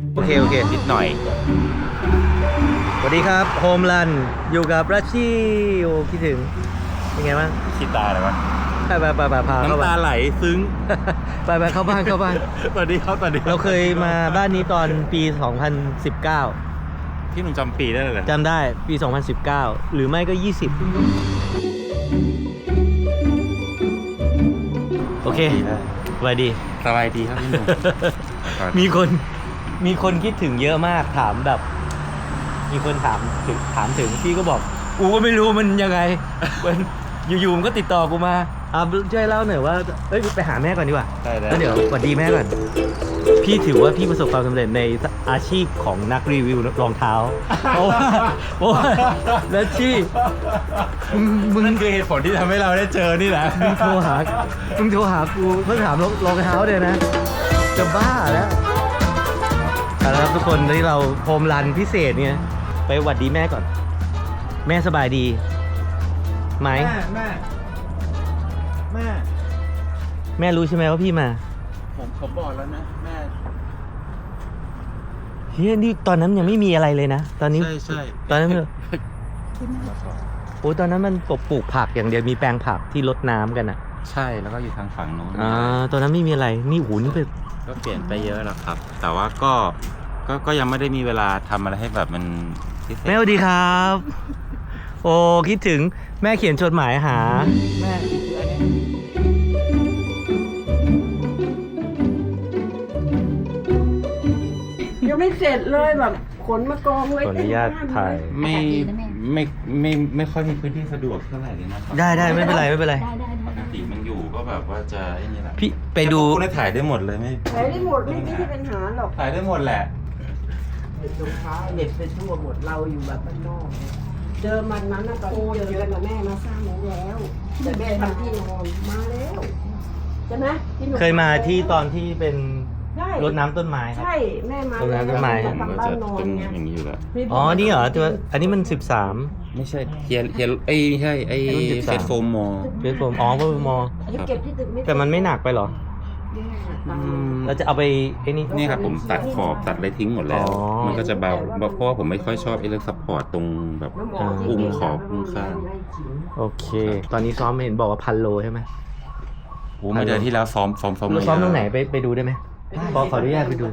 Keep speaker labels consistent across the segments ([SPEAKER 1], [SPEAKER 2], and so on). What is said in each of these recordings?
[SPEAKER 1] โอเค
[SPEAKER 2] นิดหน่อย
[SPEAKER 1] สวัสดีครับโฮมรันอยู่กับรัชชี่โอ้คิดถึงเป็นไงบ้าง
[SPEAKER 2] คิดตาเลยวะ
[SPEAKER 1] ไปพาเข้า
[SPEAKER 2] น้ำตา
[SPEAKER 1] บ้าน
[SPEAKER 2] ไหลซึ้ง
[SPEAKER 1] ไปเข้าบ้านเข้าบ้าน
[SPEAKER 2] สวัสดีครับสวัสดี
[SPEAKER 1] เราเคยมาบ้านนี้ตอนปี 2019
[SPEAKER 2] พี่หนุ่มจำปีได้เลยเหรอ
[SPEAKER 1] จำได้ปี 2019 หรือไม่ก็ 20 โอเคสวัสดี
[SPEAKER 2] สบายดีครับพี่หนุ่ม
[SPEAKER 1] มีคนคิดถึงเยอะมากถามแบบ มีคนถามถึงพี่ก็บอกกูก็ไม่รู้มันยังไง มันอยู่ๆมันก็ติดต่อกูมาช่วยเล่าหน่อยว่าเอ้ยไปหาแม่ก่อนดีกว่า
[SPEAKER 2] ได้
[SPEAKER 1] แล้วเดี๋ยวสวัสดีแม่ก่อนพี่ถือว่าพี่ประสบความสำเร็จในอาชีพของนักรีวิวรองเท้าเพราะว่าแล้วชี่มึง
[SPEAKER 2] นั่นคือเหตุผลที่ทำให้เราได้เจอนี่แหละ
[SPEAKER 1] มึงโทรหากูเพื่อถามรองเท้าเลยนะจะบ้าแล้วครับทุกคนที่เราโฮมรันพิเศษเนี่ยไปหวัดดีแม่ก่อนแม่สบายดีไหมแม่รู้ใช่ไหมว่าพี่มา
[SPEAKER 2] ผมบอกแล้วนะแม่
[SPEAKER 1] เฮ้ยนี่ตอนนั้นยังไม่มีอะไรเลยนะตอนนี้
[SPEAKER 2] ใช่
[SPEAKER 1] ตอนนั้นโอ้ตอนนั้นมันปลูกผักอย่างเดียวมีแปลงผักที่รดน้ำกันอ่ะ
[SPEAKER 2] ใช่แล้วก็อยู่ทางฝั่งโน้น
[SPEAKER 1] ตอนนั้นไม่มีอะไรนี่หูนี่เป็น
[SPEAKER 2] ก็เปลี่ยนไปเยอะแล้วครับ แต่ว่าก็ยังไม่ได้มีเวลาทำอะไรให้แบบมันพิเศษ
[SPEAKER 1] แม่สวัสดีครับ โอ้คิดถึงแม่เขียนจดหมายหาแม่
[SPEAKER 3] ยังไม่เสร็จเลยแบบขนมากองไว้
[SPEAKER 1] ขออนุญาตถ่าย
[SPEAKER 2] ไม่ค่อยมีพื้นที่สะดวกเท่าไหร่เลยนะครับ
[SPEAKER 1] ได้ไม่เป็นไร
[SPEAKER 2] ปกติมันอยู่ก็แบบว่าจะไอ้นี่แหละ
[SPEAKER 1] พี่ไปดู
[SPEAKER 2] คุณได้ถ่ายได้หมดเลยไม่
[SPEAKER 3] ใช้ได้หมดไม่ใช่ปัญหาหรอก
[SPEAKER 2] ถ่ายได้หมดแหละ
[SPEAKER 3] เป็นรองเท้าเน็ตไปทั่วหมดเราอยู่แบบบ้านนอกเดิมมันนั้นนะตอนที่เจอกันกับแม่มาสร้างแล้วแต่แม่ทำที่นอนมาแล้วใช่ไหมที่หนู
[SPEAKER 1] เคยมาที่ตอนที่เป็น
[SPEAKER 3] ใช่
[SPEAKER 1] รดน้ำต้นไม้ครับ
[SPEAKER 3] ใช่แม่มา
[SPEAKER 1] ตรงนั้นต้นไม้
[SPEAKER 3] จะทำบ้านนอน
[SPEAKER 2] เป็น
[SPEAKER 3] ไง
[SPEAKER 2] อย่างนี้อยู่แล้ว
[SPEAKER 1] อ๋อนี่เหรอตัวอันนี้มัน
[SPEAKER 2] ไม่ใช่เฮียไม่ใช่ไอ้
[SPEAKER 1] รุ่น13
[SPEAKER 2] เฟสโฟมมอ
[SPEAKER 1] 13เป็นผมพม
[SPEAKER 3] อันนี้เก็บที่ตึกไม่
[SPEAKER 1] แต่มันไม่หนักไปเหรอ เราจะเอาไปไอ้นี่
[SPEAKER 2] นี่ครับผมตัดขอบตัดอะไรทิ้งหมดแล้ว
[SPEAKER 1] อ๋อ
[SPEAKER 2] มันก็จะเบาเพราะว่าผมไม่ค่อยชอบไอ้เรื่องซัพพอร์ตตรงแบบอุ้งขอบอุ้งข้าง
[SPEAKER 1] โอเค ตอนนี้ซ้อมเห็นบอกว่า1,000 โลใช่ไหม
[SPEAKER 2] โอ้เมื่อเดือนที่แล้วซ้อม
[SPEAKER 1] เราซ้อมตรงไหนไปดูได้ไหมขออนุญาตไปดู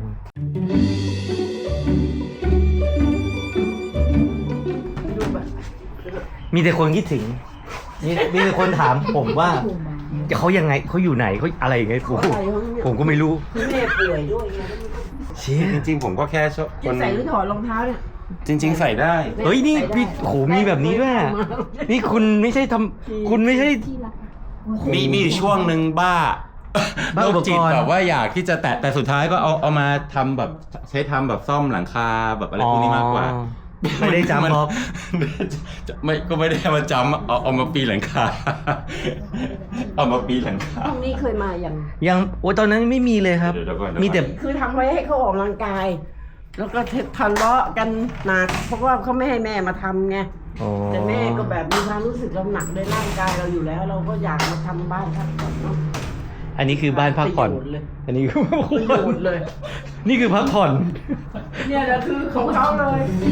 [SPEAKER 1] มีแต่คนคิดถึง มีแต่คนถามผมว่าเขายังไงเขาอยู่ไหนเขาอะไรอย่างเงี้ยผมก็ไม่รู้
[SPEAKER 3] คือแม่ป่วยด้วยไง
[SPEAKER 1] เชี่ย
[SPEAKER 2] จริงๆผมก็แค่ชอบค
[SPEAKER 3] จะ
[SPEAKER 2] น
[SPEAKER 3] ใส่หรือถอดรองเท้าเนี่ย
[SPEAKER 2] จริง ๆ ใส่ได้
[SPEAKER 1] เฮ้ยนี่พี่โหมีแบบนี้ด้วยอะนี่คุณไม่ใช่คุณไม่ใช่
[SPEAKER 2] มีอยู่ช่วงหนึ่งบ้า
[SPEAKER 1] บ้าอุปกรณ์
[SPEAKER 2] โรคจิตแบบว่าอยากที่จะแต่สุดท้ายก็เอามาทำแบบใช้ทำแบบซ่อมหลังคาแบบอะไรพวกนี้มากกว่า
[SPEAKER 1] ไม่ได้จำเพราะ
[SPEAKER 2] ก็ไม่ได้มาจำเอามาปีนหลังคา เอามาปีนหลังคา
[SPEAKER 3] ห้องนี้เคยมาอย่าง
[SPEAKER 1] ยังโอ้ตอนนั้นไม่มีเลยครับ
[SPEAKER 2] เดี๋ยวก่อน
[SPEAKER 1] มีแต่
[SPEAKER 3] คือทำไว้ให้เขาออกกำลังกาย แล้วก็ทะเลาะกันหนักเพราะว่าเขาไม่ให้แม่มาทำไง
[SPEAKER 1] อ๋อ
[SPEAKER 3] แต่แม่ก็แบบมีความรู้สึกเราหนักในร่างกายเราอยู่แล้ว เราก็อยากมาทำบ้านพักผ่อนเนาะ
[SPEAKER 1] อันนี้คือบ้านพักผ่อน
[SPEAKER 3] ประโยชน์เลย
[SPEAKER 1] อันนี้คือ
[SPEAKER 3] ประโยชน์เลย
[SPEAKER 1] นี่คือพักผ่อน
[SPEAKER 3] เนี่ยแหละคือของเขาเลย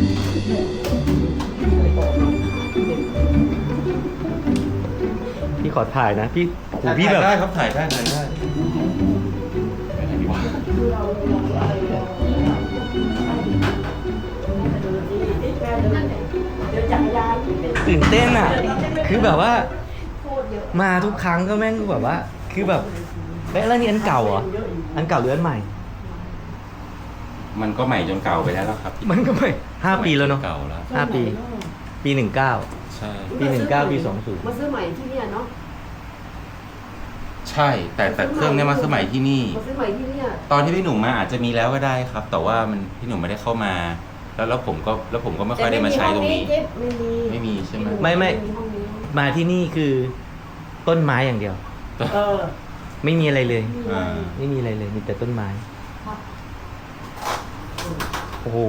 [SPEAKER 1] พี่ขอถ่ายนะพี่โหพี่แบบ
[SPEAKER 2] ได้ครับถ่ายได้ไปไหนดีวะ
[SPEAKER 3] เดี๋ยวจักรยาน
[SPEAKER 1] ตื่นเต้นอ่ะ คือแบบว่า มาทุกครั้งก็แม่งแบบว่า คือแบบแล้วนี่อันเก่าเหรอ อันเก่าหรืออันใหม่
[SPEAKER 2] มันก็ใหม่จนเก่าไปแล้วครับ
[SPEAKER 1] มันก็ไม่5 ปีแล้วเนาะ
[SPEAKER 2] เก่าแล้ว
[SPEAKER 1] 5 ปี ปี 19
[SPEAKER 2] ใช่
[SPEAKER 1] ปี 19 ปี
[SPEAKER 3] มาซื้อใหม่ที่เนี่ยเนาะ
[SPEAKER 2] ใช่แต่เครื่องเนี้ยมาสมัยที่นี่
[SPEAKER 3] มาซื้อใหม่ที่เนี่ย
[SPEAKER 2] ตอนที่พี่หนุ่มมาอาจจะมีแล้วก็ได้ครับ แต่ว่ามันพี่หนุ่มไม่ได้เข้ามา แล้วผมก็ไม่ค่อยได้มาใช้ตรงนี้ ไม่มีใช่ไหม
[SPEAKER 1] ไม่ 20 มาที่นี่คือต้นไม้อย่างเดียว
[SPEAKER 3] เออ
[SPEAKER 1] ไม่มีอะไรเลย
[SPEAKER 2] อ่า
[SPEAKER 1] ไม่มีอะไรเลย มีแต่ต้นไม้ โอ้โห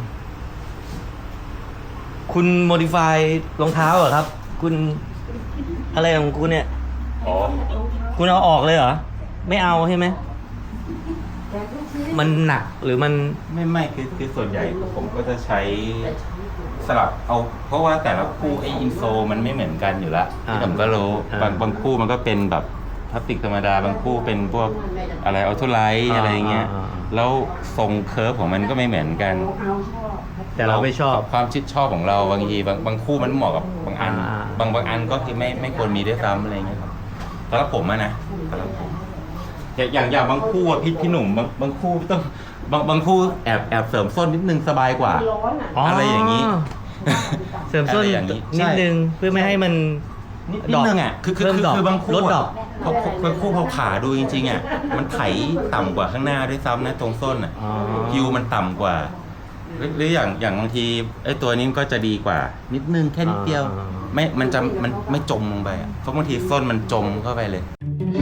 [SPEAKER 1] คุณโมดิฟายรองเท้าเหรอครับ คุณอะไรของคุณเนี่ย
[SPEAKER 2] อ๋อ
[SPEAKER 1] คุณเอาออกเลยเหรอ ไม่เอาใช่ไหมมันหนักหรือมัน
[SPEAKER 2] ไม่คือส่วนใหญ่ผมก็จะใช้สลับเอาเพราะว่าแต่ละคู่ไออินโซมันไม่เหมือนกันอยู่แล้วผมก็รู้บางคู่มันก็เป็นแบบพลาสติกธรรมดาบางคู่เป็นพวกอะไรออโตไลท์อะไรเงี้ยแล้วทรงเคิร์ฟของมันก็ไม่เหมือนกัน
[SPEAKER 1] แต่เราไม่ชอบ
[SPEAKER 2] ความชิดชอบของเราบางทีบางคู่มันเหมาะกับบางอันบางอันก็คือไม่ควรมีด้วยซ้ำอะไรเงี้ยครับแล้วผมอะนะแล้วผมอย่างบางคู่อะพี่หนุ่มบางคู่ต้องบางคู่แอบเสริมส้นนิดนึงสบายกว่าอะไรอย่างนี้
[SPEAKER 1] เสริมส้น
[SPEAKER 2] อะไรอย่างนี้
[SPEAKER 1] นิดนึงเพื่อไม่ให้มัน
[SPEAKER 2] นิดนึงอ่ะคือบางคู่
[SPEAKER 1] ลดดอก
[SPEAKER 2] บางคู่พอขาดูจริงๆอ่ะมันไถต่ำกว่าข้างหน้าด้วยซ้ำนะตรงส้นอ่ะฮิวมันต่ำกว่าหรืออย่างบางทีไอ้ตัวนี้ก็จะดีกว่า นิดนึงแค่นิดเดียวมันไม่จมลงไปอ่ะเพราะบางทีส้นมันจมเข้าไปเลย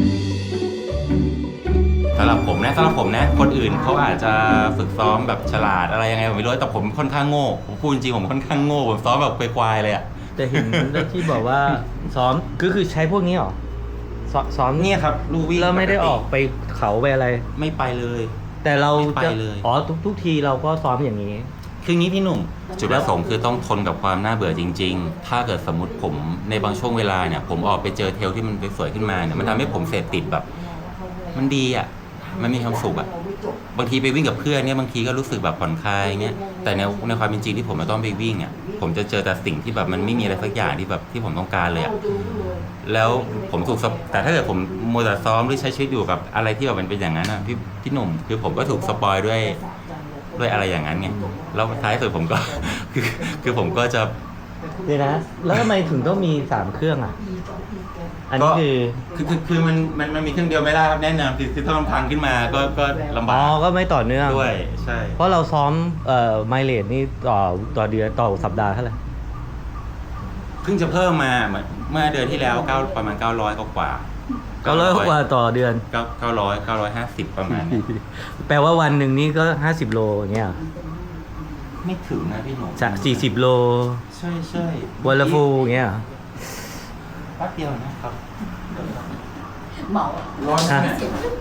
[SPEAKER 2] สำหรับผมนะคนอื่นเขาอาจจะฝึกซ้อมแบบฉลาดอะไรยังไงผมไม่รู้แต่ผมค่อนข้างโง่ผมพูดจริงผมค่อนข้างโง่ผมซ้อมแบบควายๆเลยอ่ะ
[SPEAKER 1] แต่เห็นที่บอกว่าซ้อมคือใช้พวกนี้หรอซ้อม
[SPEAKER 2] เนี่ยครับลู่วิ่ง
[SPEAKER 1] แล้วไม่ได้ออกไปเขาไปอะไร
[SPEAKER 2] ไม่ไปเลย
[SPEAKER 1] แต่เรา
[SPEAKER 2] ไปเลย
[SPEAKER 1] ทุกทีเราก็ซ้อมอย่างนี้
[SPEAKER 2] คืองี้พี่หนุ่มจุดประสงค์คือต้องทนกับความน่าเบื่อจริงๆถ้าเกิดสมมติผมในบางช่วงเวลาเนี่ยผมออกไปเจอเทรลที่มันสวยขึ้นมาเนี่ยมันทำให้ผมเสพติดแบบมันดีอ่ะมันมีความสุขอ่ะบางทีไปวิ่งกับเพื่อนเนี่ยบางทีก็รู้สึกแบบผ่อนคลายเงี้ยแต่ในความเป็นจริงที่ผมจะต้องไปวิ่งอ่ะผมจะเจอแต่สิ่งที่แบบมันไม่มีอะไรสักอย่างที่แบบที่ผมต้องการเลยอ่ะแล้วผมถูกแต่ถ้าเกิดผมมัวแต่ซ้อมหรือใช้ชีวิตอยู่กับอะไรที่แบบมันเป็นอย่างนั้นอ่ะพี่หนุ่มคือผมก็ถูกสปอยด้วยอะไรอย่างนั้นไงแล้วท้ายสุดผมก็ คือผมก็จะ
[SPEAKER 1] เดี๋ยวนะแล้วทำไมถึงต้องมี3เครื่องอ่ะอันนี้
[SPEAKER 2] คือมันมีเครื่องเดียวไม่ได้ครับแน่นอนคือถ้ามันพังขึ้นมาก็ลำบาก
[SPEAKER 1] ก็ไม่ต่อเนื่อง
[SPEAKER 2] ด้วยใช่
[SPEAKER 1] เพราะเราซ้อมไมเลจนี่ต่อเดือนต่อสัปดาห์เท่าไหร่
[SPEAKER 2] เพิ่งจะเพิ่มมาเมื่อเดือนที่แล้วประมาณ900กว่า
[SPEAKER 1] 900กว่าต่อเดือน
[SPEAKER 2] 950ประมาณ
[SPEAKER 1] แปลว่าวันหนึ่งนี่ก็50โลอย่างเงี้ย
[SPEAKER 2] ไม่ถึงนะพี่หนุ่ม
[SPEAKER 1] จาก40โล
[SPEAKER 2] ใช่
[SPEAKER 1] วันละฟูอย่างเงี้ย
[SPEAKER 2] แป๊บเดียวนะครับ
[SPEAKER 3] เหมา
[SPEAKER 2] ร้อนนะ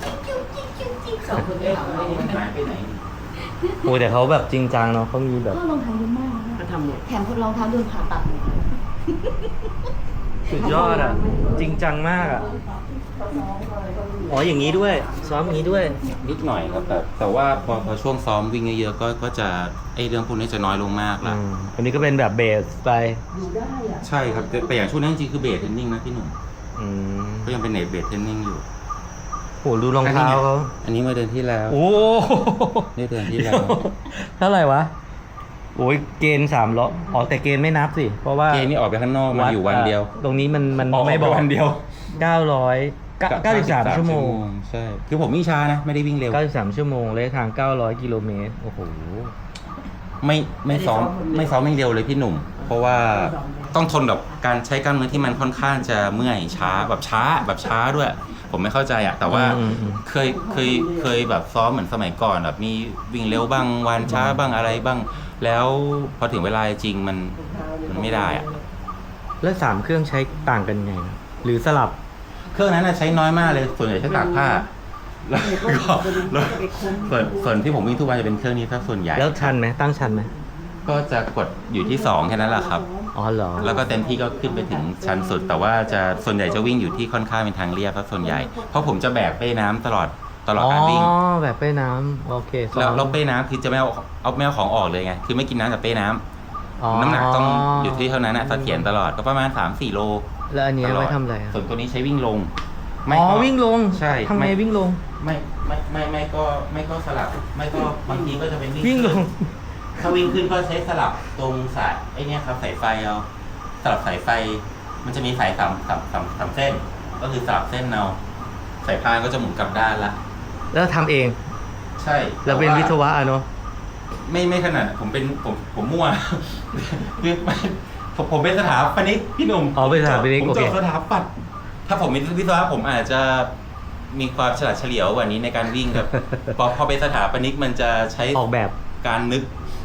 [SPEAKER 1] โอ้แต่เขาแบบจริงจังเนาะเขามีแบบ
[SPEAKER 4] ก็รองเท้าเยอะมากนะแถมรองเท้าโดนผ่าตัด
[SPEAKER 1] สุดยอดอ่ะจริงจังมากอ่ะอย่างนี้ด้วยซ้อมอย่างนี้ด้วย
[SPEAKER 2] นิดหน่อยครับแต่ว่าพอช่วงซ้อมวิ่งเยอะๆก็จะเรื่องพวกนี้จะน้อยลงมากละ
[SPEAKER 1] อันนี้ก็เป็นแบบเบสไป
[SPEAKER 2] ใช่ครับแต่อย่างช่วงนี้จริงๆคือเบสเทรนนิ่งนะพี่หนุ่มก็ยังเป็นเบสเทรนนิ่งอยู่
[SPEAKER 1] โหดูรองเท้าเขา
[SPEAKER 2] อันนี้เมื่อเดือนที่แล้วนี่เดือนที่แล้ว
[SPEAKER 1] เท่าไหร่วะโอ้ยเกณฑ์3ล้อแต่เกณฑ์ไม่นับสิเพราะว่า
[SPEAKER 2] เกณฑ์นี่ออกไปข้างนอกมาอยู่วันเดียว
[SPEAKER 1] ตรงนี้มันไม่บอก
[SPEAKER 2] วันเดียว
[SPEAKER 1] 93ชั่วโมง
[SPEAKER 2] ใช่คือผมวิ่งช้านะไม่ได้วิ่งเร็ว
[SPEAKER 1] 93ชั่วโมงระยะทาง900กิโลเมตรโอ้โห
[SPEAKER 2] ไม่ซ้อมไม่เร็วเลยพี่หนุ่มเพราะว่าต้องทนกับการใช้กล้ามเนื้อที่มันค่อนข้างจะเมื่อยช้าแบบช้าด้วยผมไม่เข้าใจอ่ะแต่ว่าเคยแบบซ้อมเหมือนสมัยก่อนแบบมีวิ่งเร็วบ้างวันช้าบ้างอะไรบ้างแล้วพอถึงเวลาจริงมันไม่ได้อ่ะ
[SPEAKER 1] แล้ว3เครื่องใช้ต่างกันไงหรือสลับ
[SPEAKER 2] เครื่องนั้นใช้น้อยมากเลยส่วนใหญ่ใช้ตากผ้าแล้วก็ส่วนที่ผมวิ่งทุกวันจะเป็นเครื่องนี้ถ้าส่วนใหญ่
[SPEAKER 1] แล้วชันไหมตั้งชันไหม
[SPEAKER 2] ก็จะกดอยู่ที่2แค่นั้นแหละครับ
[SPEAKER 1] เหรอ
[SPEAKER 2] แล้วก็เต็มที่ก็ขึ้นไปถึงชันสุดแต่ว่าจะส่วนใหญ่จะวิ่งอยู่ที่ค่อนข้างเป็นทางเรียบซะส่วนใหญ่เพราะผมจะแบกเป้น้ำตลอดการวิ่ง
[SPEAKER 1] แบกเป้น้ำโอเค
[SPEAKER 2] แล้วเป้น้ำคือจะไม่เอาของออกเลยไงคือไม่กินน้ำจากเป้น้ำน้ำหนักต้องอยู่ที่เท่านั้นนะเสถียรตลอดก็ประมาณ 3-4 โล
[SPEAKER 1] แล้วอันนี้ไว้ทำอะไร
[SPEAKER 2] ส่วนตัวนี้ใช้วิ่งลง
[SPEAKER 1] วิ่งลง
[SPEAKER 2] ใช่
[SPEAKER 1] ทำไมวิ่งลง
[SPEAKER 2] ไม่ก็สลับไม่ก็บางทีก็จะเป็น
[SPEAKER 1] วิ่งลง
[SPEAKER 2] ถ้าวิ่งขึ้นก็ใช้สลับตรงสายไอ้นี่ครับสายไฟเอาสลับสายไฟมันจะมีสาย3เส้นก็คือสลับเส้นเอาสายพานก็จะหมุนกลับด้านละ
[SPEAKER 1] แล้วทำเอง
[SPEAKER 2] ใช่
[SPEAKER 1] เราเป็นวิศวะเนาะ
[SPEAKER 2] ไม่ขนาดผมมั่วคือผมเป็นสถาปนิกพี่หนุ่ม
[SPEAKER 1] เป็นสถาปนิก
[SPEAKER 2] ผมจบสถาปัตย์ถ้าผมเป็นวิศวะผมอาจจะมีความฉลาดเฉลียวกว่านี้ในการวิ่งครับพอเป็นสถาปนิกมันจะใช้
[SPEAKER 1] ออกแบบ
[SPEAKER 2] การนึก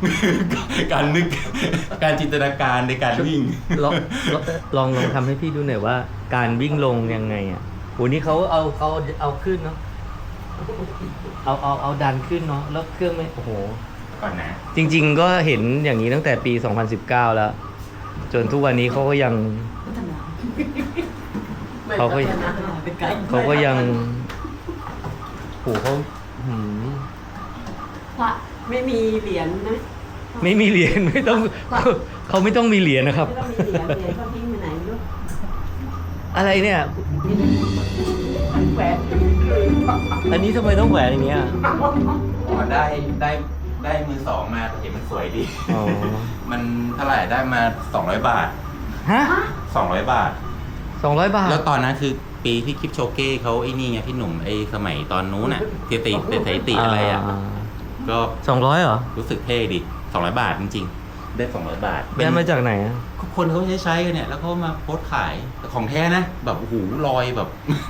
[SPEAKER 2] การจินตนาการในการวิ่ง
[SPEAKER 1] ลองทำให้พี่ดูหน่อยว่าการวิ่งลงยังไงอ่ะโหนี่เขาเอาขึ้นเนาะเอาดันขึ้นเนาะแล้วเครื่องไม่โอ้โห
[SPEAKER 2] ก่อนนะ
[SPEAKER 1] จริง ๆ ก็เห็นอย่างนี้ตั้งแต่ปี 2019 แล้ว จนทุกวันนี้เขาก็ยัง
[SPEAKER 4] พัฒนา
[SPEAKER 1] เขาก็
[SPEAKER 4] ไปไกล
[SPEAKER 1] เขาก็ยังโหเขาหืม
[SPEAKER 4] พระ
[SPEAKER 3] ไม่มีเหรียญนะ
[SPEAKER 1] ไม่มีเหรียญไม่ต้องเขาไม่ต้องมีเหรียญนะครับ
[SPEAKER 3] ไม่ต้องมีเหรียญเหรียญเขาทิ้งไปไหนไม่รู้
[SPEAKER 1] อะไรเนี่ย
[SPEAKER 3] แหวน
[SPEAKER 1] อันนี้ทำไมต้องแหวนอย่างเงี้ย
[SPEAKER 2] อ๋อได้มือสองมาเห็นมันสวยดี
[SPEAKER 1] อ๋อ
[SPEAKER 2] มันเท่าไหร่ได้มา200 บาท
[SPEAKER 1] ฮะ
[SPEAKER 2] 200 บาท
[SPEAKER 1] 200 บาท
[SPEAKER 2] แล้วตอนนั้นคือปีที่คลิปโชเก้เขาไอ้นี่ไงพี่หนุ่มไอ้สมัยตอนนู้นน่ะที่ติอะไรอ่ะ ก็
[SPEAKER 1] 200เหรอ
[SPEAKER 2] รู้สึกเท่ดิ200 บาทจริงๆ ได้200 บาท
[SPEAKER 1] ได้มาจากไหนอะ
[SPEAKER 2] คนเขาใช้กันเนี่ย แล้วเขามาโพสต์ขายแต่ของแท้นะ แบบโอ้โหลอยแบบ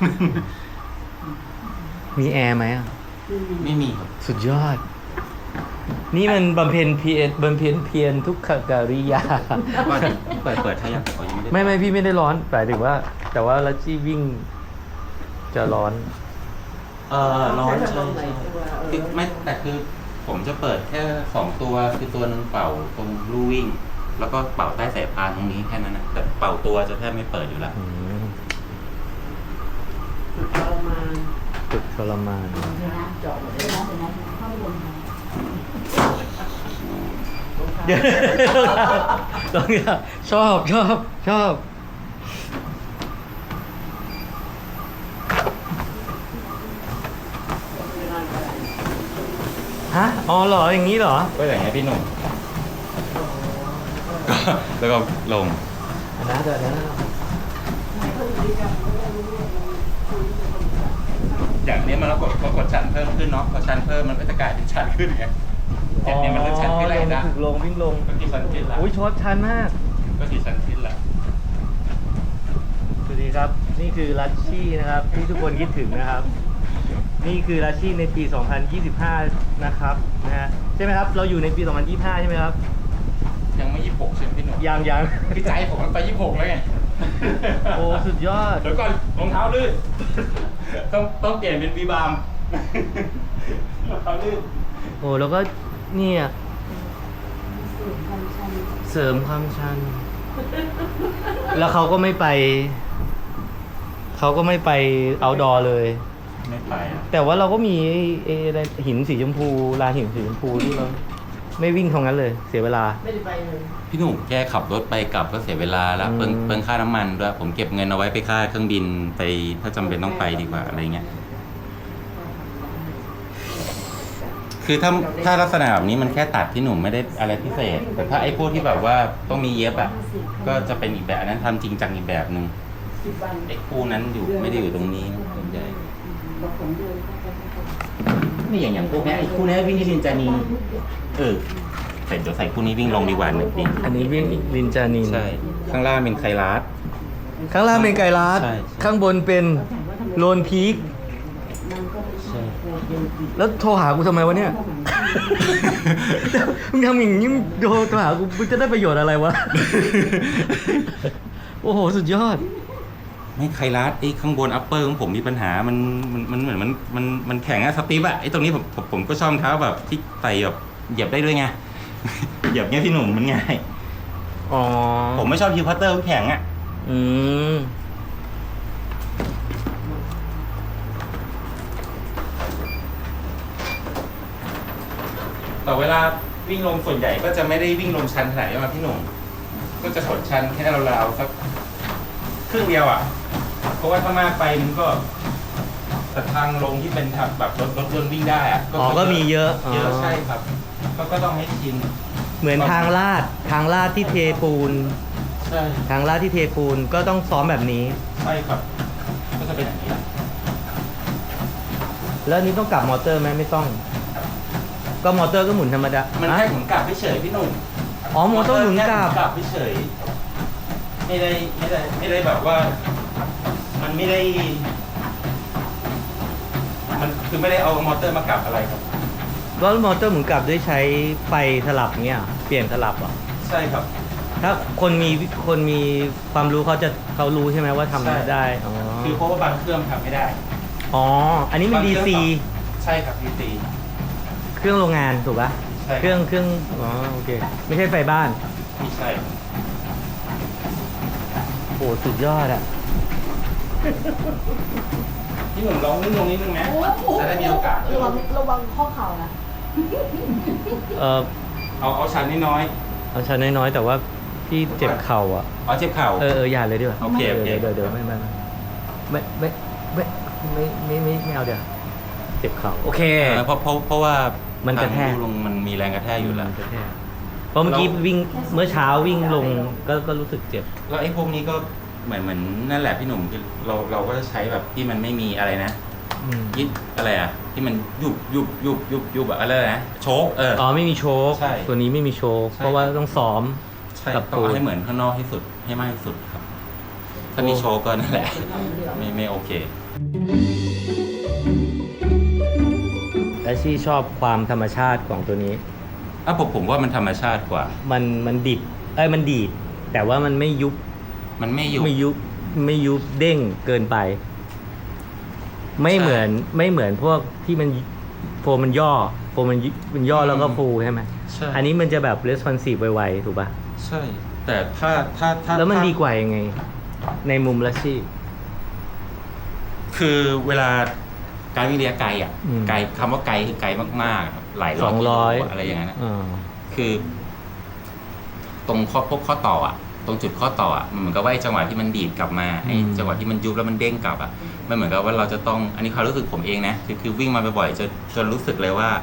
[SPEAKER 1] มีแอร์ไหมอะ
[SPEAKER 2] ไม่มีครับ
[SPEAKER 1] สุดยอด นี่มันบำเพ็ญเพียรทุกขกิริยา
[SPEAKER 2] ว่าเปิดให้ยังอ๋อยังไม่ได้
[SPEAKER 1] ไม่พี่ไม่ได้ร้อนหมายถึงว่า แต่ว่าลัชชี่วิ่งจะร้อน
[SPEAKER 2] ร้อน
[SPEAKER 3] ใช้
[SPEAKER 2] ใช่
[SPEAKER 3] ลมไหน
[SPEAKER 2] ใช่
[SPEAKER 3] ตัว
[SPEAKER 2] คือไม่แต่คือผมจะเปิดแค่2 ตัวคือตัวนึงเป่าตรงลู่วิ่ง แล้วก็เป่าใต้สายพานตรงนี้แค่นั้นนะแต่เป่าตัวจะแทบไม่เปิดอยู่แล้ว
[SPEAKER 1] อืม
[SPEAKER 3] สุดทรมาน
[SPEAKER 1] ฝึกทรมาน
[SPEAKER 4] เดี๋ยวนะเจาะเดี๋ยวนะเข้าไปบน
[SPEAKER 1] เดี๋ยวลองเนี่ยชอบ ฮะ อ๋อเหรอ อย่างนี้เหรอ
[SPEAKER 2] ก็อย่างเงี้ยพี่หนุ่มก็แล้วก็ลง
[SPEAKER 1] อันนั้นเดี๋ยวนะ
[SPEAKER 2] อย่างนี้มันเรากดชั้นเพิ่มขึ้นเนาะพอชั้นเพิ่มมันก็จะกลายเป็นชั้นขึ้นไงอย่างนี้มันเริ่มชั้นขึ้นแล้วนะ
[SPEAKER 1] ถึงลงวิ่งลง
[SPEAKER 2] ก็ที่ชั้นขึ้นละ
[SPEAKER 1] อุ้ยชดชันมาก
[SPEAKER 2] ก็ที่ชั้นขึ้นละ
[SPEAKER 1] สวัสดีครับ นี่คือลัชชี่นะครับ ที่ทุกคนคิดถึงนะครับ นี่คือลัชชี่ในปี 2025 นะครับนะฮะใช่ไหมครับ เราอยู่ในปี 2025 ใช่ไหมครับ
[SPEAKER 2] ยังไม่26ใช่ไหมพี่หนุ่ม
[SPEAKER 1] ยัง
[SPEAKER 2] คือใจผมมันไป26แล้วไง
[SPEAKER 1] โอ้สุดยอด
[SPEAKER 2] เดี๋ยวก่อนรองเท้าลื่นต้องเปลี่ยนเป็นวีบามรองเท้าลื่น
[SPEAKER 1] โอ้แล้วก็เนี่ยเสริมความชัน แล้วเขาก็ไม่ไปเอาดอเลย
[SPEAKER 2] ไม่ไปอ่ะ
[SPEAKER 1] แต่ว่าเราก็มีอะไรหินสีชมพูลานหินสีชมพูที่เราไม่วิ่งตรงนั้นเลย เสียเวลา
[SPEAKER 3] ไม่ได้ไปเลย
[SPEAKER 2] พี่หนุ่มแค่ขับรถไปกลับก็เสียเวลาแล้ว
[SPEAKER 1] อืม
[SPEAKER 2] เปลืองค่าน้ำมันด้วยผมเก็บเงินเอาไว้ไปค่าเครื่องบินไปถ้าจำเป็นต้องไปดีกว่าอะไรเงี้ยคือถ้าลักษณะแบบนี้มันแค่ตัดพี่หนุ่มไม่ได้อะไรพิเศษ แต่ถ้าไอ้พวกที่แบบว่าต้องมีเย็บอ่ะก็จะเป็นอีกแบบอันนั้นทำจริงจังอีกแบบหนึ่ง
[SPEAKER 3] 10 วัน
[SPEAKER 2] ไอ้คู่นั้นอยู่ไม่ได้อยู่ตรงนี้นะส่วนใหญ่
[SPEAKER 3] บอกผมเดินเข้าไป
[SPEAKER 2] นี่อย่างพวกนี้ไอ้คู่นี้วิ่งที่ลินจานีเดี๋ยวใส่คู่นี้วิ่งลงดีกว่าหนึ่งปี
[SPEAKER 1] อันนี้วิ่งลินจานิน
[SPEAKER 2] ใช่ข้างล่างเป็นไคลาส
[SPEAKER 1] ข้างล่างเป็นไกลาส
[SPEAKER 2] ใช่
[SPEAKER 1] ข้างบนเป็นโลนพีค
[SPEAKER 3] มันก็
[SPEAKER 2] ใช่
[SPEAKER 1] แล้วโทรหากูทำไมวะเนี่ย มึงทำอย่างนี้มึงโทรหากูมึงจะได้ประโยชน์อะไรวะ โอ้โห สุดยอด
[SPEAKER 2] ไม่ไคลาสไอ้ข้างบนอัปเปอร์ของผมมีปัญหามันเหมือนมันแข็งอะสตีฟอะไอ้ตรงนี้ผมก็ชอบรองเท้าแบบที่ใส่แบบเหยียบได้ด้วยไง เหยียบเงี้ยพี่หนุ่มมันง่าย
[SPEAKER 1] อ๋อ
[SPEAKER 2] ผมไม่ชอบฮิวพัตเตอร์แข็งอะ
[SPEAKER 1] อืม
[SPEAKER 2] แต่เวลาวิ่งลงส่วนใหญ่ก็จะไม่ได้วิ่งลงชันขนาดนี้มาพี่หนุ่มก็จะถดชันแค่ราวๆสักครึ่งเดียวอะเพราะว่าถ้ามากไปมันก็แต่ทางลงที่เป็นแบบรถยนต์วิ่งได้อะ
[SPEAKER 1] อ๋อ ก็มีเยอะ
[SPEAKER 2] เยอะใช่ครับก็ต้องให้ชิน
[SPEAKER 1] เหมือนทางลาดที่เทปูน
[SPEAKER 2] ใช่
[SPEAKER 1] ทางลาดที่เทปูนก็ต้องซ้อมแบบนี้
[SPEAKER 2] ใช่ครับ ก็จะเป็นอย่างนี้แหละ
[SPEAKER 1] แล้วอันนี้ต้องกลับมอเตอร์ไหมไม่ต้อง ก็มอเตอร์ก็หมุนธรรมดา
[SPEAKER 2] มันแค่หมุนกลับเฉยๆพี่หนุ่ม
[SPEAKER 1] อ๋อมอเตอร์หมุนกลับ
[SPEAKER 2] แค่กลับเฉยๆไม่ได้แบบว่า มันไม่ได้ มันคือไม่ได้เอามอเตอร์มากลับอะไรครับ
[SPEAKER 1] ก็มอเตอร์หมุนกลับด้วยใช้ไฟสลับเงี้ย เปลี่ยนสลับเหรอ
[SPEAKER 2] ใช่ครับ
[SPEAKER 1] ถ้าคนมีความรู้เขารู้ใช่ไหมว่าทำ
[SPEAKER 2] ใช่
[SPEAKER 1] ได้ อ๋อ
[SPEAKER 2] คือเพราะว่าบางเครื่องทำไม่ได้
[SPEAKER 1] อ๋อ อันนี้มัน
[SPEAKER 2] บางเครื่
[SPEAKER 1] DC
[SPEAKER 2] องใช่ครับ DC
[SPEAKER 1] เครื่องโรงงานถูกปะ
[SPEAKER 2] ใช่
[SPEAKER 1] เครื่องอ๋อโอเค ไม่ใช่ไฟบ้าน
[SPEAKER 2] ไม่ใช่
[SPEAKER 1] โอ้สุดยอดอะ
[SPEAKER 2] พี่หนุ่มลองนิ่งลงนิดนึงไหมจะได้มีโอกาส
[SPEAKER 4] ระวังข้อเข่านะ
[SPEAKER 1] เออ
[SPEAKER 2] เอาชั้นน้อย
[SPEAKER 1] เอาชั้นน้อยๆแต่ว่าพี่เจ็บเข่าอ่ะ
[SPEAKER 2] ๆเอาเจ็บเข่า
[SPEAKER 1] อย่าเลยดีกว่า
[SPEAKER 2] โอเคโอเค
[SPEAKER 1] เดี๋ยวไม่เอาเดี๋ยวเจ็บเข่าโอเค
[SPEAKER 2] เพราะว่า
[SPEAKER 1] มันกระแทก
[SPEAKER 2] ทางลงมันมีแรงกระแทกอยู่แล้ว
[SPEAKER 1] เพราะเมื่อกี้วิ่งเมื่อเช้าวิ่งลงก็รู้สึกเจ็บ
[SPEAKER 2] แล้วไอ้พวกนี้ก็เหมือนนั่นแหละพี่หนุ่มคือเราก็จะใช้แบบที่มันไม่มีอะไรนะยึดอะไรอ่ะที่มันยุบแบบอะไรนะโชค
[SPEAKER 1] ไม่มีโชค
[SPEAKER 2] ใช่
[SPEAKER 1] ตัวนี้ไม่มีโชค
[SPEAKER 2] ใช่
[SPEAKER 1] เพราะว่าต้องซ้อม
[SPEAKER 2] ใช่
[SPEAKER 1] กับ
[SPEAKER 2] ต้อง
[SPEAKER 1] ตูน
[SPEAKER 2] เอาให้เหมือนข้างนอกที่สุดให้มากที่สุดครับ ถ้ามีโชคก็นั่นแหละ ไม่โอเค
[SPEAKER 1] และชี่ชอบความธรรมชาติของตัวนี้
[SPEAKER 2] ผมว่ามันธรรมชาติกว่า
[SPEAKER 1] มันดิบมันดีดแต่ว่ามันไม่ยุบ
[SPEAKER 2] มันไม่อยู่
[SPEAKER 1] ไม่ยุบเด้งเกินไป ไม่เหมือนพวกที่มันโฟมมันย่อแล้วก็ฟูใช่ไหม
[SPEAKER 2] ใช่
[SPEAKER 1] อันนี้มันจะแบบ responsive ไวๆถูกป่ะ
[SPEAKER 2] ใช่ แต่ถ้า
[SPEAKER 1] แล้วมันดีกว่ายังไง ในมุมละชี่
[SPEAKER 2] คือเวลาการวิ่งระยะไกลอ่ะ
[SPEAKER 1] อืม
[SPEAKER 2] ไกลคำว่าไกลคือไกลมากๆครับหลายร้อยกิโลอะไรอย่างนั้นนะ คือ ตรงพวกข้อต่ออ่ะ ตรงจุดข้อต่ออ่ะมันเหมือนกับว่าไอ้จังหวะที่มันดีดกลับมาไอ้จังหวะที่มันยุบแล้วมันเด้งกลับอ่ะมันเหมือนกับว่าเราจะต้องอันนี้ความรู้สึกผมเองนะคือวิ่งมาบ่อยๆจนรู้สึกเลยว่า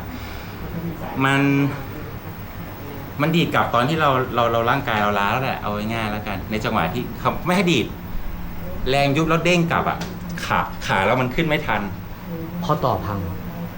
[SPEAKER 2] มันดีดกลับตอนที่เราร่างกายเราล้าแล้วแหละเอาง่ายๆแล้วกัน ในจังหวะที่ไม่ให้ดีดแรงยุบแล้วเด้งกลับอ่ะขาแล้วมันขึ้นไม่ทัน
[SPEAKER 1] ข้อต่อพัง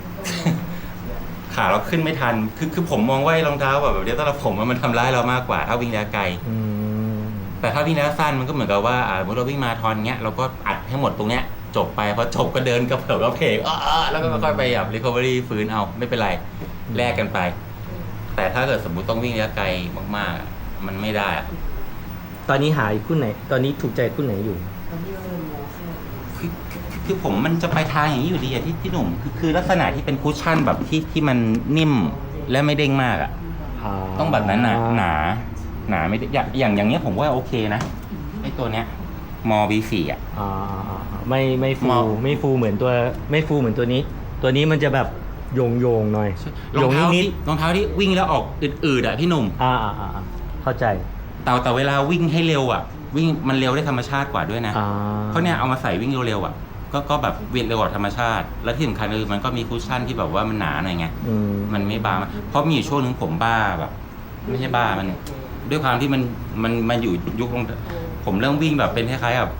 [SPEAKER 2] ขาเราขึ้นไม่ทัน คือผมมองว่ารองเท้าแบบเนี้ยสำหรับผมมันทำร้ายเรามากกว่าถ้าวิ่งระยะไกล แต่ถ้าวิ่งระยะสั้นมันก็เหมือนกับว่าสมมติเราวิ่งมาราธอนเงี้ยเราก็อัดให้หมดตรงเนี้ยจบไปพอจบก็เดินกระเผิบกระเพกแล้วก็ค่อยๆไปแบบ recovery ฟื้นเอาไม่เป็นไรแลกกันไป แต่ถ้าเกิดสมมุติต้องวิ่งระยะไกลมากๆมันไม่ได้อะ
[SPEAKER 1] ตอนนี้หาคู่ไหน ตอนนี้ถูกใจคู่ไหนอยู่
[SPEAKER 2] คือผมมันจะไปทางอย่างนี้อยู่ดีอะที่หนุ่มคือลักษณะที่เป็นคุชชั่นแบบที่มันนิ่มและไม่เด้งมากอะต้องแบบนั้นนะหนาไม่ได้อย่างเนี้ยผมว่าโอเคนะไอ้ตัวเนี้ยมอ V4 อ่ะ
[SPEAKER 1] ไม่ฟูเหมือนตัวนี้ ตัวนี้มันจะแบบโยงหน่อย
[SPEAKER 2] รองเท้าที่วิ่งแล้วออกอืดๆอ่ะพี่หนุ่ม
[SPEAKER 1] เข้าใจ
[SPEAKER 2] แต่เวลาวิ่งให้เร็วอ่ะวิ่งมันเร็วได้ธรรมชาติกว่าด้วยนะเพราะเนี่ยเอามาใส่วิ่งเร็วๆอ่ะก็แบบวิ่งเร็วกว่าธรรมชาติและที่สำคัญคือมันก็มีคุชชั่นที่แบบว่ามันหนาหน่อยไงมันไม่บางเพราะมีอยู่ช่วงนึงผมบ้าแบบไม่ใช่บ้ามันด้วยความที่มันอยู่ยุคลงผมเริ่มวิ่งแบบเป็นคล้ายๆแบบ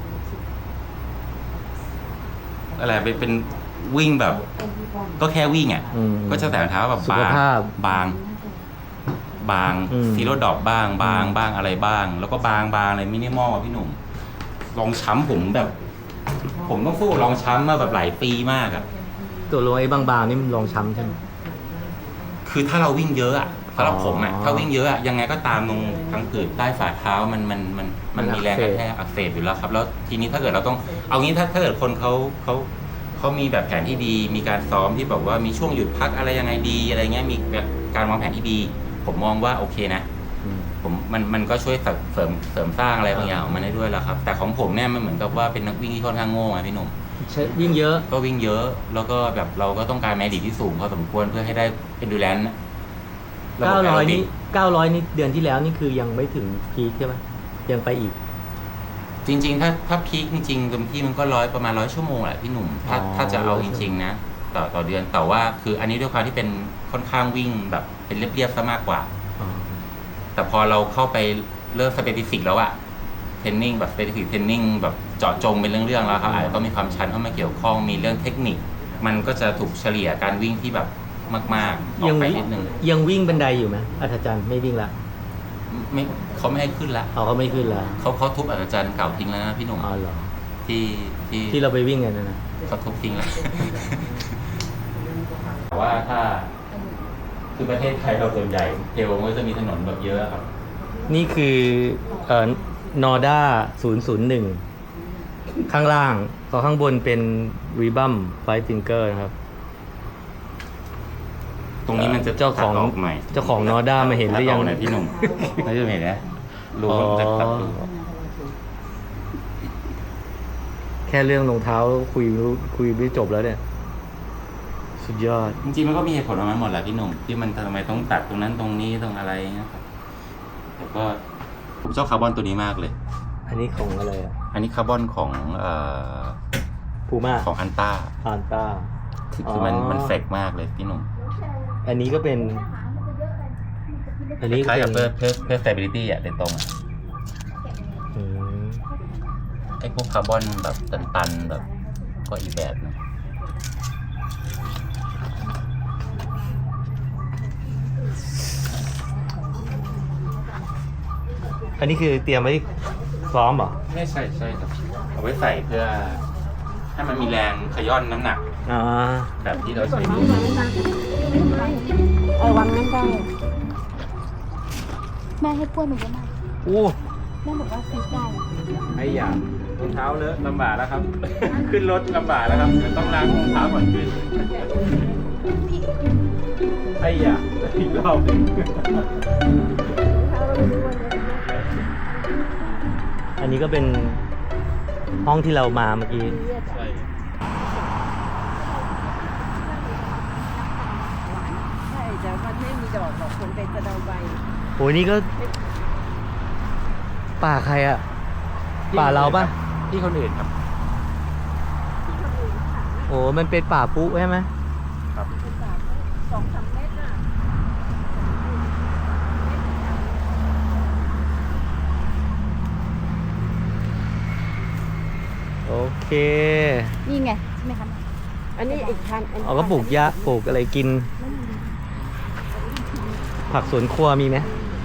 [SPEAKER 2] อะไรเป็นวิ่งแบบก็แค่วิ่งอ่ะก็จะแต่รองเท้าแบบบางซีโร่ดอกบ้างอะไรบ้างแล้วก็บางอะไรมินิมอลพี่หนุ่มรองช้ำผมแบบ ผมต้องสู้รองช้ำมาแบบหลายปีมากอ่ะ
[SPEAKER 1] ตัวรองไอ้บางๆนี่มันรองช้ำใช่ไหม
[SPEAKER 2] คือถ้าเราวิ่งเยอะอ่ะสำหรับผมอ่ะถ้าวิ่งเยอะอ่ะยังไงก็ตามตรงทางผืดใต้ฝ่าเท้ามันมีแรงกระแทกอักเสบอยู่แล้วครับแล้วทีนี้ถ้าเกิดเราต้องเอางี้ถ้าเกิดคนเขามีแบบแผนที่ดีมีการซ้อมที่แบบว่ามีช่วงหยุดพักอะไรยังไงดีอะไรเงี้ยมีแบบการวางแผนที่ดีผมมองว่าโอเคนะมันก็ช่วยเสริมสร้างอะไรบางอย่างของมันได้ด้วยแล้วครับแต่ของผมเนี่ยมันเหมือนกับว่าเป็นนักวิ่งที่ค่อนข้างโง่ไงพี่หนุ่ม
[SPEAKER 1] วิ่งเยอะ
[SPEAKER 2] ก็วิ่งเยอะแล้วก็แบบเราก็ต้องการแมดิที่สูงพอสมควรเพื่อให้ได้เป็นดูแลน
[SPEAKER 1] 900นี่เดือนที่แล้วนี่คือยังไม่ถึงพีคใช่ไหมยังไปอีก
[SPEAKER 2] จริงๆถ้าพีคจริงๆเต็มที่มันก็ประมาณ100 ชั่วโมงแหละพี่หนุ่มถ้าจะเอาจริงๆนะต่อเดือนแต่ว่าคืออันนี้ด้วยความที่เป็นค่อนข้างวิ่งแบบเป็นเรียบๆซะมากกว่าแต่พอเราเข้าไปเริ่มสเปซิฟิกแล้วอะเทรนนิ่งแบบสเปซิฟิกเทรนนิ่งแบบเจาะจงเป็นเรื่องๆแล้วครับอาจจะต้องมีความชันเข้ามาเกี่ยวข้องมีเรื่องเทคนิคมันก็จะถูกเฉลี่ยการวิ่งที่แบบมากๆออกไปนิดนึง
[SPEAKER 1] ยังวิ่งบันไดอยู่ไหมอัศจรรย์ไม่วิ่งละ
[SPEAKER 2] ไม่เขาไม่ให้ขึ้นละ
[SPEAKER 1] เขาไม่ขึ้นละ
[SPEAKER 2] เขาทุบอัศจรรย์เก่าทิ้งแล้วนะพี่หนุ่ม
[SPEAKER 1] เหรอ
[SPEAKER 2] ที่
[SPEAKER 1] เราไปวิ่งกันนะ
[SPEAKER 2] เขาทุบทิ้งแล้วแต่ว่าถ้าคือประเทศไทยเราส่วนใหญ่เทลมันก็จะมีถนนแบบเยอะครับ
[SPEAKER 1] นี่คือนอร์ด้า001ข้างล่างก็ข้างบนเป็นรีบัมไฟฟิงเกอร์นะครับ
[SPEAKER 2] ตรงนี้มันจะ
[SPEAKER 1] เจ้าของ
[SPEAKER 2] ตัดกหน่อย
[SPEAKER 1] เจ้าของนอด้ามาเห็นหรือยัง
[SPEAKER 2] ตัดกหน่อยพี่หนุ่มไม่จะเห็นนะรู้ว่ามันจะตัดรู
[SPEAKER 1] แค่เรื่องรองเท้าคุยไม่จบแล้วเนี่ย สุดยอด
[SPEAKER 2] จริงๆมันก็มีเหตุผลของมันหมดแหละพี่หนุ่มที่มันทำไมต้องตัดตรงนั้นตรงนี้ตรงอะไรนะครับแต่ก็ผมชอบคาร์บอนตัวนี้มากเลย
[SPEAKER 1] อันนี้ของอะไรอ่ะ
[SPEAKER 2] อันนี้คาร์บอนของ
[SPEAKER 1] พูม่า
[SPEAKER 2] ของอันต้า
[SPEAKER 1] อันต้า
[SPEAKER 2] คือมันเฟกมากเลยพี่หนุ่ม
[SPEAKER 1] อันนี้ก็เป็น อันนี้
[SPEAKER 2] คล้ายกับ
[SPEAKER 1] เป็น
[SPEAKER 2] เพื่อ stability อ่ะโดยตรงอะ
[SPEAKER 1] อืม
[SPEAKER 2] ไอ้พวกคาร์บอนแบบตันๆแบบก็อีกแบบนึง
[SPEAKER 1] อันนี้คือเตรียมไว้ซ้อมเหรอ
[SPEAKER 2] ไม่ใช่ครับเอาไว้ใส่เพื่อให้มันมีแรงขย้อนน้ำหนัก
[SPEAKER 1] อ่า
[SPEAKER 2] แบบที่เราใช้ดู
[SPEAKER 3] วางนั้นได้
[SPEAKER 4] แม่ให้ป้วยมันเยอะมาก
[SPEAKER 1] อู้
[SPEAKER 4] แม่บอกว่าซื้อได้
[SPEAKER 2] ไอ้ยารองเท้าเลอะลำบากแล้วครับ ขึ้นรถลำบากแล้วครับต้องล้างรองเท้าก่อนขึ้นไอ้ยาอีกรอบหนึง
[SPEAKER 1] อันนี้ก็เป็นห้องที่เรามาเมื่อกี้
[SPEAKER 2] ใช่
[SPEAKER 3] ใช่แต่มันไม่มีดอกหรอกคนเป็นกระเดาใบ
[SPEAKER 1] โหนี่ก็ ป่าใครอ่ะ ป่าเราปะ
[SPEAKER 2] ที่คนอื่นครับ
[SPEAKER 1] โอ้มันเป็นป่าปุ๊ใช่ไหม
[SPEAKER 2] ครับ
[SPEAKER 3] 2-3 เมตรน่ะ
[SPEAKER 1] โอเค
[SPEAKER 4] นี่ไงใช่ไหมคะ
[SPEAKER 3] อันนี้อีกพัน
[SPEAKER 1] เอาก็ปลูกหญ้าปลูกอะไรกิน ผักสวนครัวมีไหม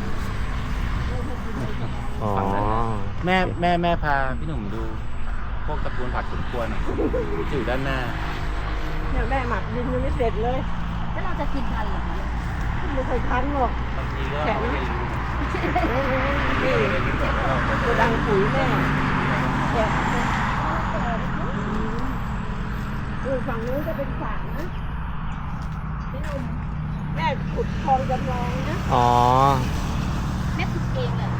[SPEAKER 1] อ๋อ
[SPEAKER 2] แม่พาพี่หนุ่มดู พวกตระกูลผักสวนครัวหน่อยอยู่ด้านหน้า
[SPEAKER 3] เนี่ยแม่หมักดินยังไม่เสร็จเลย
[SPEAKER 4] แล้วเราจะกินทันเหรอคะ
[SPEAKER 3] ไม่เคยทันหรอก
[SPEAKER 2] บางทีก็
[SPEAKER 3] แข็งนะ นี่กระดังปุ๋ยแม่เนี่ยฝั่งนู้นจะเป็นสระนะพี่หนุ่มแม่ขุดคลองจำลองนะ
[SPEAKER 1] อ๋อ
[SPEAKER 4] แม่ขุดเองเลย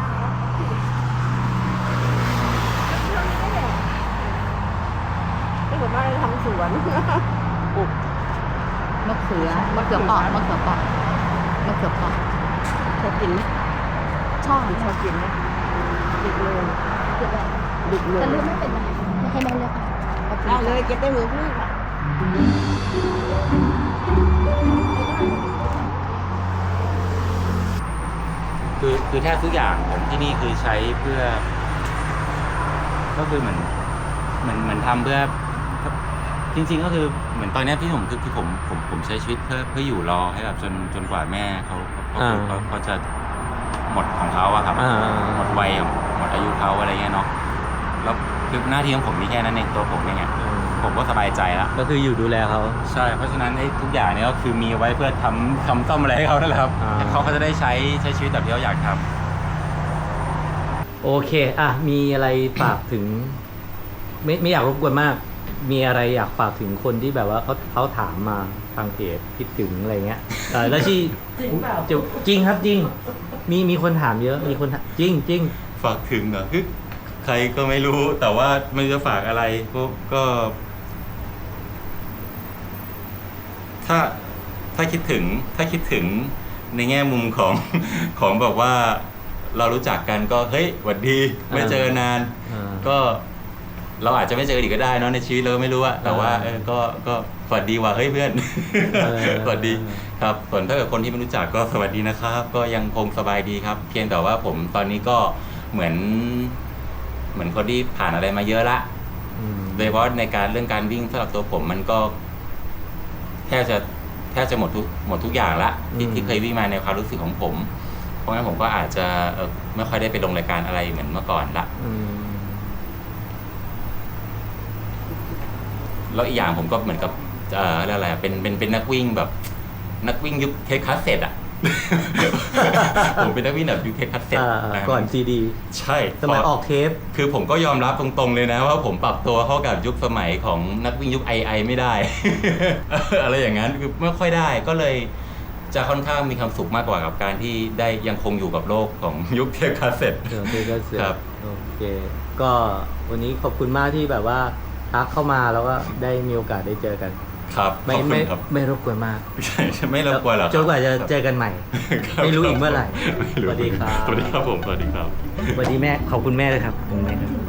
[SPEAKER 3] ที่ผมว่าทำสวน
[SPEAKER 4] มะเขือเปาะมะเขือเปาะมะเขือเปาะ
[SPEAKER 3] ชอบกินไหม
[SPEAKER 4] ชอบ
[SPEAKER 3] ชอบกินไหมดิบเลย
[SPEAKER 4] เก็บไว้
[SPEAKER 3] ดิบเลย
[SPEAKER 4] แต่เลือกไม่เป็นยังไงไม่ให้แม่เลือกเอาไป
[SPEAKER 3] ได้เลยเก็บได้เหมือนพี่ค่ะ
[SPEAKER 2] คือแทบทุกอย่างของที่นี่คือใช้เพื่อ ก็คือเหมือนทำเพื่อ จริงๆก็คือเหมือนตอนเนี้ยพี่ผมคือผมใช้ชีวิตเพื่ออยู่รอให้แบบจนกว่าแม่เขาจะหมดของเขาอะครับ หมดวัยหมดอายุเขาอะไรเงี้ยเนาะแล้วคือหน้าที่ของผมมีแค่นั้นเองตัวผมเองไงผมก็สบายใจละ
[SPEAKER 1] ก็คืออยู่ดูแลเขา
[SPEAKER 2] ใช่เพราะฉะนั้นไอ้ทุกอย่างเนี้ยก็คือมีไว้เพื่อทำซ่อมอะไรให้เขานั่นแหละครับ
[SPEAKER 1] อ่า
[SPEAKER 2] เขาก็จะได้ใช้ชีวิตแบบที่เขาอยากทำ
[SPEAKER 1] โอเค อ่ะ มีอะไรฝากถึง ไม่อยากรบกวนมาก มีอะไรอยากฝากถึงคนที่แบบว่าเขาถามมาทางเพจคิดถึงอะไรเงี้ยแล้วที่จริงครับจริง มีคนถามเยอะ มีคนถามจริง
[SPEAKER 2] ฝากถึงเหรอคือใครก็ไม่รู้แต่ว่าไม่รู้จะฝากอะไรก็ ถ้าคิดถึงในแง่มุมของ ของแบบว่าเรารู้จักกันก็เฮ้ยหวัดดีไม่เจอนาน ก็เราอาจจะไม่เจออีกก็ได้เนอะในชีวิตเราไม่รู้อะแต่ว่าก็สวัสดีว่ะเฮ้ยเพื่อน สวัสดีครับส่วนถ้าเกิดคนที่ไม่รู้จักก็สวัสดีนะครับ ก็ยังคงสบายดีครับ เพียงแต่ว่าผมตอนนี้ก็เหมือนคนที่ผ่านอะไรมาเยอะละโดยเฉพาะในเรื่องการวิ่งสำหรับตัวผมมันก็แทบจะหมดทุกอย่างละที่เคยวิ่งมาในความรู้สึกของผม เพราะงั้นผมก็อาจจะไม่ค่อยได้ไปลงรายการอะไรเหมือนเมื่อก่อนละแล้วอีกอย่างผมก็เหมือนกับอะไรเป็นนักวิ่งแบบนักวิ่งยุคเทคคัสเซ็ตอ่ะผมเป็นนักวิ่งแบบยุคเทปคัสเซ็ต
[SPEAKER 1] ก่อนซีดี
[SPEAKER 2] ใช่
[SPEAKER 1] สมัยออกเทป
[SPEAKER 2] คือผมก็ยอมรับตรงๆเลยนะว่าผมปรับตัวเข้ากับยุคสมัยของนักวิ่งยุคไอไม่ได้ อะไรอย่างนั้นคือไม่ค่อยได้ก็เลยจะค่อนข้างมีความสุขมากกว่ากับการที่ได้ยังคงอยู่กับโลกของยุคเทปคาสเซ็ต
[SPEAKER 1] เทปก็เสร็จ
[SPEAKER 2] ครับ
[SPEAKER 1] โอเค ก็วันนี้ขอบคุณมากที่แบบว่าทักเข้ามาแล้วก็ได้มีโอกาสได้เจอกัน
[SPEAKER 2] ครับขอบคุณครับ
[SPEAKER 1] ไม่รบกวนมาก
[SPEAKER 2] ใช่ไม่รบกวนหรอก
[SPEAKER 1] จนกว่าจะเจอกันใหม่
[SPEAKER 2] ครับ
[SPEAKER 1] ไม่รู้อีกเมื่อไหร่
[SPEAKER 2] ไม่รู้
[SPEAKER 1] สวัสดีครับ
[SPEAKER 2] สวัสดีครับผมสวัสดีครับ
[SPEAKER 1] สวัสดีแม่ ขอบคุณแม่เลยครับขอบคุณแม่ครับ